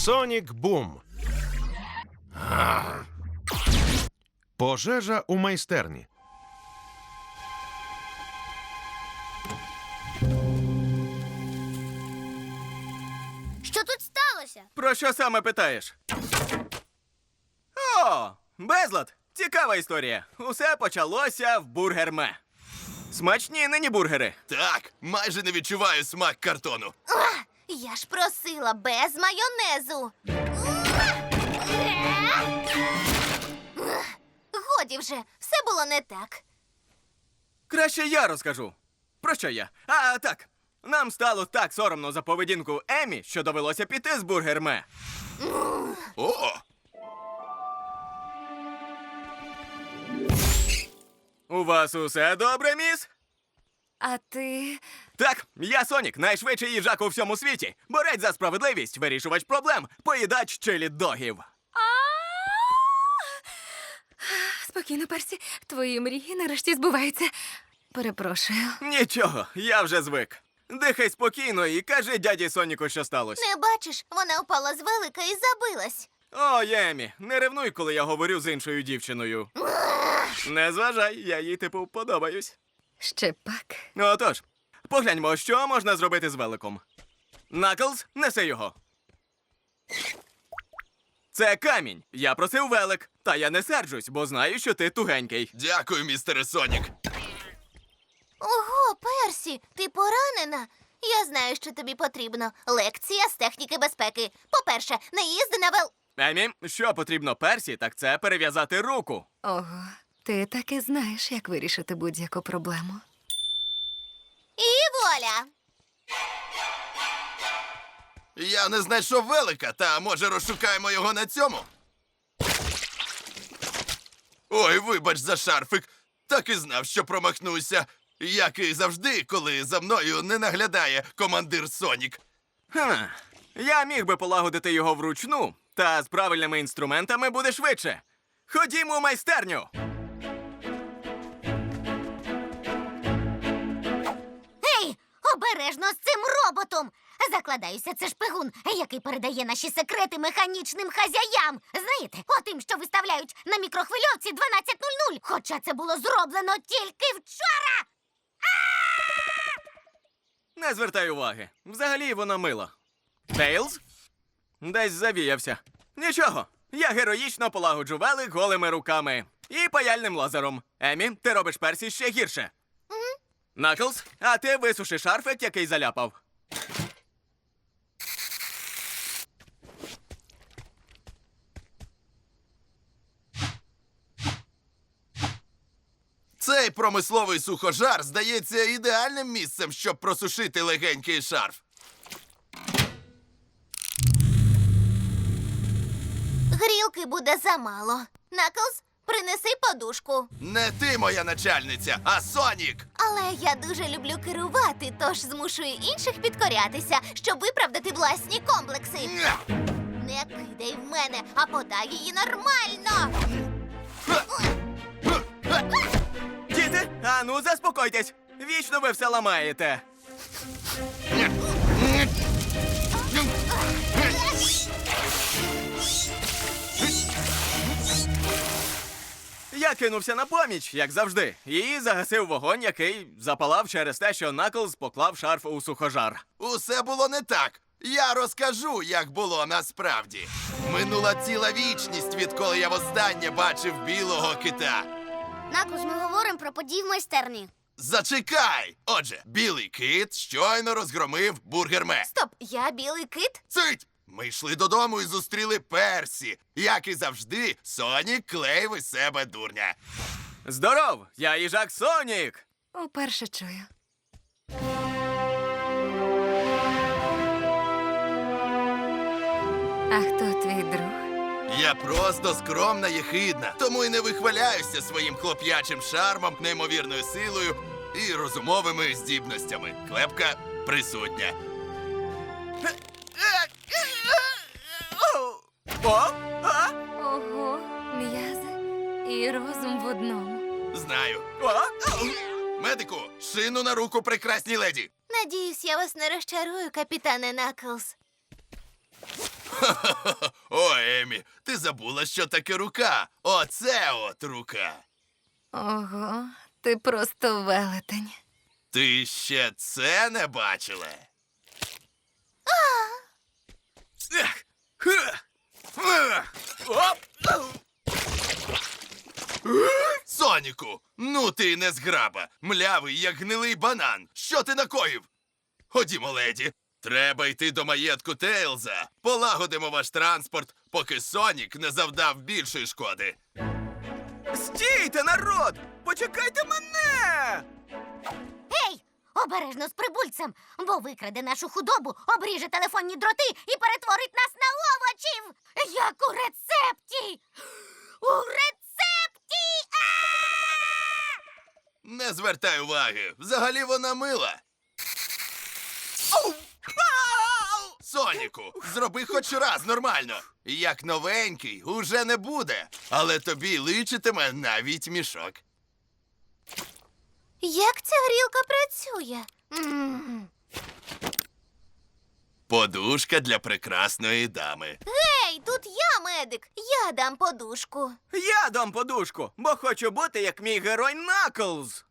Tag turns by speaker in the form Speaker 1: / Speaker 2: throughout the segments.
Speaker 1: Сонік Бум. Пожежа у майстерні.
Speaker 2: Що тут сталося?
Speaker 3: Про що саме питаєш? О, безлад! Цікава історія. Усе почалося в Бургерме. Смачні нині бургери.
Speaker 4: Так, майже не відчуваю смак картону.
Speaker 2: Я ж просила без майонезу. Годі вже, все було не так.
Speaker 3: Краще я розкажу. Про що я? А, так. Нам стало так соромно за поведінку Емі, що довелося піти з Бургерме.
Speaker 4: О!
Speaker 3: У вас усе добре, міс?
Speaker 5: А ти...
Speaker 3: Так, я Сонік, найшвидший їжак у всьому світі. Борець за справедливість, вирішувач проблем, поїдач чилі-догів.
Speaker 5: Спокійно, Персі. Твої мрії нарешті збуваються. Перепрошую.
Speaker 3: Нічого, я вже звик. Дихай спокійно і кажи дяді Соніку, що сталося.
Speaker 2: Не бачиш, вона впала з велика і забилась.
Speaker 3: О, Емі, не ревнуй, коли я говорю з іншою дівчиною. Не зважай, я їй типу подобаюсь.
Speaker 5: Ще пак.
Speaker 3: Отож, погляньмо, що можна зробити з великом. Наклз, неси його. Це камінь. Я просив велик. Та я не серджусь, бо знаю, що ти тугенький.
Speaker 4: Дякую, містере Сонік.
Speaker 2: Ого, Персі, ти поранена? Я знаю, що тобі потрібно. Лекція з техніки безпеки. По-перше, не їзди на
Speaker 3: Емі, що потрібно Персі, так це перев'язати руку.
Speaker 5: Ого, ти таки знаєш, як вирішити будь-яку проблему.
Speaker 2: І вуаля!
Speaker 4: Я не знайшов велика, та може розшукаємо його на цьому? Ой, вибач за шарфик. Так і знав, що промахнуся. Як і завжди, коли за мною не наглядає командир Сонік.
Speaker 3: Я міг би полагодити його вручну, та з правильними інструментами буде швидше. Ходімо у майстерню.
Speaker 2: Гей, обережно з цим роботом! Закладаюся, це шпигун, який передає наші секрети механічним хазяям. Знаєте, отим, що виставляють на мікрохвильовці 12:00. Хоча це було зроблено тільки вчора.
Speaker 3: Не звертай уваги. Взагалі вона мила. Тейлз? Десь завіявся. Нічого, я героїчно полагоджу велик голими руками. І паяльним лазером. Емі, ти робиш Персі ще гірше. Наклз, а ти висуши шарфик, який заляпав.
Speaker 4: Цей промисловий сухожар здається ідеальним місцем, щоб просушити легенький шарф.
Speaker 2: Грілки буде замало. Наклз, принеси подушку.
Speaker 4: Не ти моя начальниця, а Сонік!
Speaker 2: Але я дуже люблю керувати, тож змушую інших підкорятися, щоб виправдати власні комплекси. Не кидай в мене, а подай її нормально.
Speaker 3: Діти, а ну заспокойтесь. Вічно ви все ламаєте. Я кинувся на поміч, як завжди, і загасив вогонь, який запалав через те, що Наклз поклав шарф у сухожар.
Speaker 4: Усе було не так. Я розкажу, як було насправді. Минула ціла вічність, відколи я востаннє бачив білого кита.
Speaker 2: Наклз, ми говоримо про події в майстерні.
Speaker 4: Зачекай! Отже, білий кит щойно розгромив Бургерме.
Speaker 2: Стоп, я білий кит?
Speaker 4: Цить! Ми йшли додому і зустріли Персі. Як і завжди, Сонік клеїв із себе дурня.
Speaker 3: Здоров! Я їжак Сонік!
Speaker 5: Уперше чую. А хто твій друг?
Speaker 4: Я просто скромна єхидна, тому й не вихваляюся своїм хлоп'ячим шармом, неймовірною силою і розумовими здібностями. Клепка присутня.
Speaker 3: О! А?
Speaker 5: Ого, м'язи і розум в одному.
Speaker 4: Знаю.
Speaker 3: О!
Speaker 4: Медику, шину на руку прекрасній леді.
Speaker 2: Надіюсь, я вас не розчарую, капітане Наклз.
Speaker 4: О, Емі, ти забула, що таке рука. Оце от рука.
Speaker 5: Ого, ти просто велетень.
Speaker 4: Ти ще це не бачила?
Speaker 3: Ех! Ха! Ех! Оп!
Speaker 4: Соніку, ну ти й не зграба. Млявий, як гнилий банан. Що ти накоїв? Ходімо, леді. Треба йти до маєтку Тейлза. Полагодимо ваш транспорт, поки Сонік не завдав більшої шкоди.
Speaker 3: Стійте, народ! Почекайте мене!
Speaker 2: Гей! Обережно з прибульцем, бо викраде нашу худобу, обріже телефонні дроти і перетворить нас на овочів! Як у рецепті! У рецепті!
Speaker 4: Не звертай уваги. Взагалі вона мила. Соніку, зроби хоч раз нормально. Як новенький, уже не буде. Але тобі личитиме навіть мішок.
Speaker 2: Як ця грілка працює?
Speaker 4: Подушка для прекрасної дами.
Speaker 2: Гей, тут я медик. Я дам подушку.
Speaker 3: Я дам подушку, бо хочу бути як мій герой Наклз.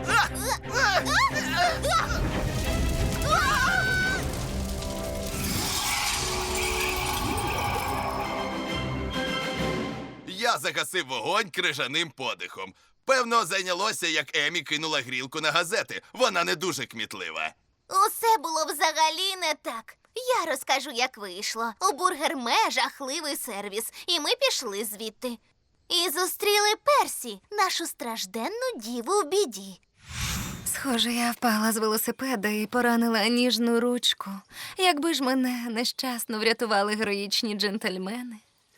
Speaker 4: Я загасив вогонь крижаним подихом. Певно, зайнялося, як Емі кинула грілку на газети. Вона не дуже кмітлива.
Speaker 2: Усе було взагалі не так. Я розкажу, як вийшло. У Бургерме жахливий сервіс, і ми пішли звідти. І зустріли Персі, нашу стражденну діву в біді.
Speaker 5: Схоже, я впала з велосипеда і поранила ніжну ручку. Якби ж мене нещасно врятували героїчні джентльмени.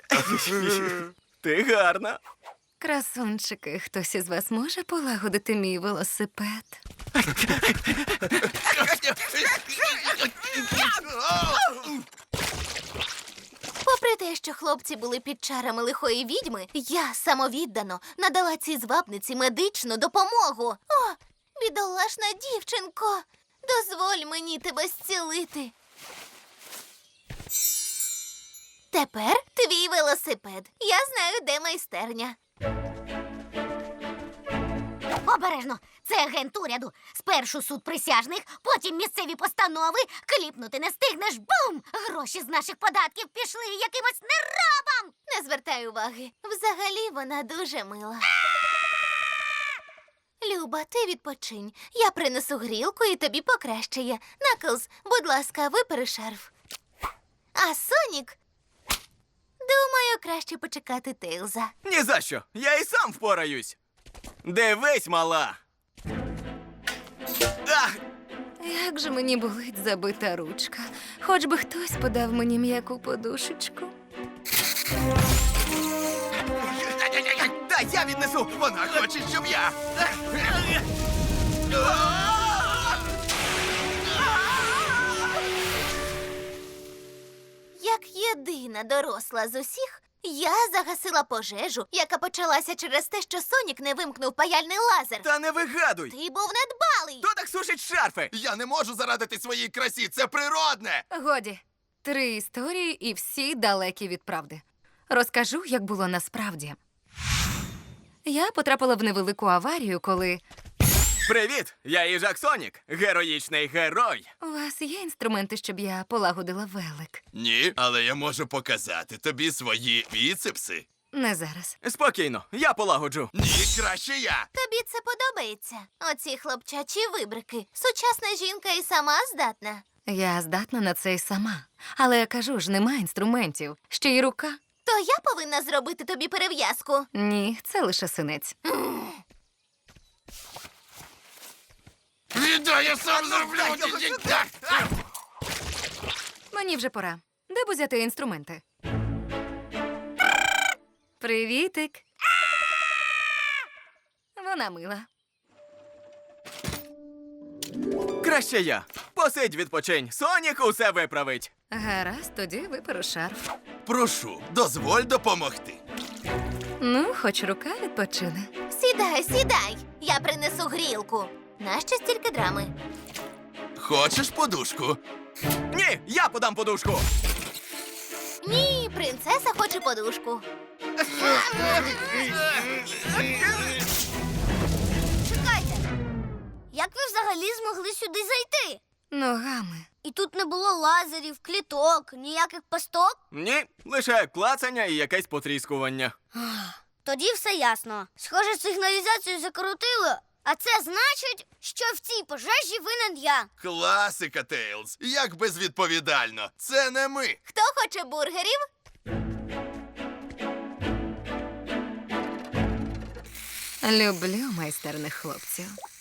Speaker 3: Ти гарна.
Speaker 5: Красунчики, хтось із вас може полагодити мій велосипед?
Speaker 2: Попри те, що хлопці були під чарами лихої відьми, я самовіддано надала цій звабниці медичну допомогу. О, бідолашна дівчинко, дозволь мені тебе зцілити. Тепер твій велосипед. Я знаю, де майстерня. Обережно! Це агент уряду. Спершу суд присяжних, потім місцеві постанови. Кліпнути не стигнеш. Бум! Гроші з наших податків пішли якимось нерабам! Не звертай уваги. Взагалі вона дуже мила. Люба, ти відпочинь. Я принесу грілку і тобі покращає. Наклз, будь ласка, випери шарф. А Сонік... Думаю, краще почекати Тейлза.
Speaker 3: Ні за що, я і сам впораюсь. Дивись, мала. Ах!
Speaker 5: Як же мені болить забита ручка. Хоч би хтось подав мені м'яку подушечку.
Speaker 3: Дай я віднесу.
Speaker 4: Вона хоче, щоб я.
Speaker 2: Як єдина доросла з усіх, я загасила пожежу, яка почалася через те, що Сонік не вимкнув паяльний лазер.
Speaker 3: Та не вигадуй.
Speaker 2: Ти був недбалий.
Speaker 3: Хто так сушить шарфи?
Speaker 4: Я не можу зарадити своїй красі, це природне.
Speaker 5: Годі, 3 історії і всі далекі від правди. Розкажу, як було насправді. Я потрапила в невелику аварію, коли...
Speaker 3: Привіт, я їжак Сонік, героїчний герой.
Speaker 5: У вас є інструменти, щоб я полагодила велик?
Speaker 4: Ні, але я можу показати тобі свої біцепси.
Speaker 5: Не зараз.
Speaker 3: Спокійно, я полагоджу.
Speaker 4: Ні, краще я.
Speaker 2: Тобі це подобається? Оці хлопчачі вибрики. Сучасна жінка і сама здатна.
Speaker 5: Я здатна на це й сама. Але я кажу ж, нема інструментів. Ще й рука.
Speaker 2: То я повинна зробити тобі перев'язку.
Speaker 5: Ні, це лише синець.
Speaker 4: Віддай, я сам зроблю.
Speaker 5: Мені вже пора. Де б узяти інструменти? Привітик. Вона мила.
Speaker 3: Краще я. Посидь, відпочинь. Сонік усе виправить.
Speaker 5: Гаразд, тоді виперу шарф.
Speaker 4: Прошу, дозволь допомогти.
Speaker 5: Ну, хоч рука відпочине.
Speaker 2: Сідай, сідай. Я принесу грілку. Нащо стільки драми?
Speaker 4: Хочеш подушку?
Speaker 3: Ні, я подам подушку.
Speaker 2: Ні, принцеса хоче подушку. Чекайте. Як ви взагалі змогли сюди зайти?
Speaker 5: Ногами.
Speaker 2: І тут не було лазерів, кліток, ніяких пасток?
Speaker 3: Ні, лише клацання і якесь потріскування.
Speaker 2: Тоді все ясно. Схоже, сигналізацію закрутило, а це значить, що в цій пожежі винен я.
Speaker 4: Класика, Тейлз. Як безвідповідально. Це не ми.
Speaker 2: Хто хоче бургерів?
Speaker 5: Люблю майстерних хлопців.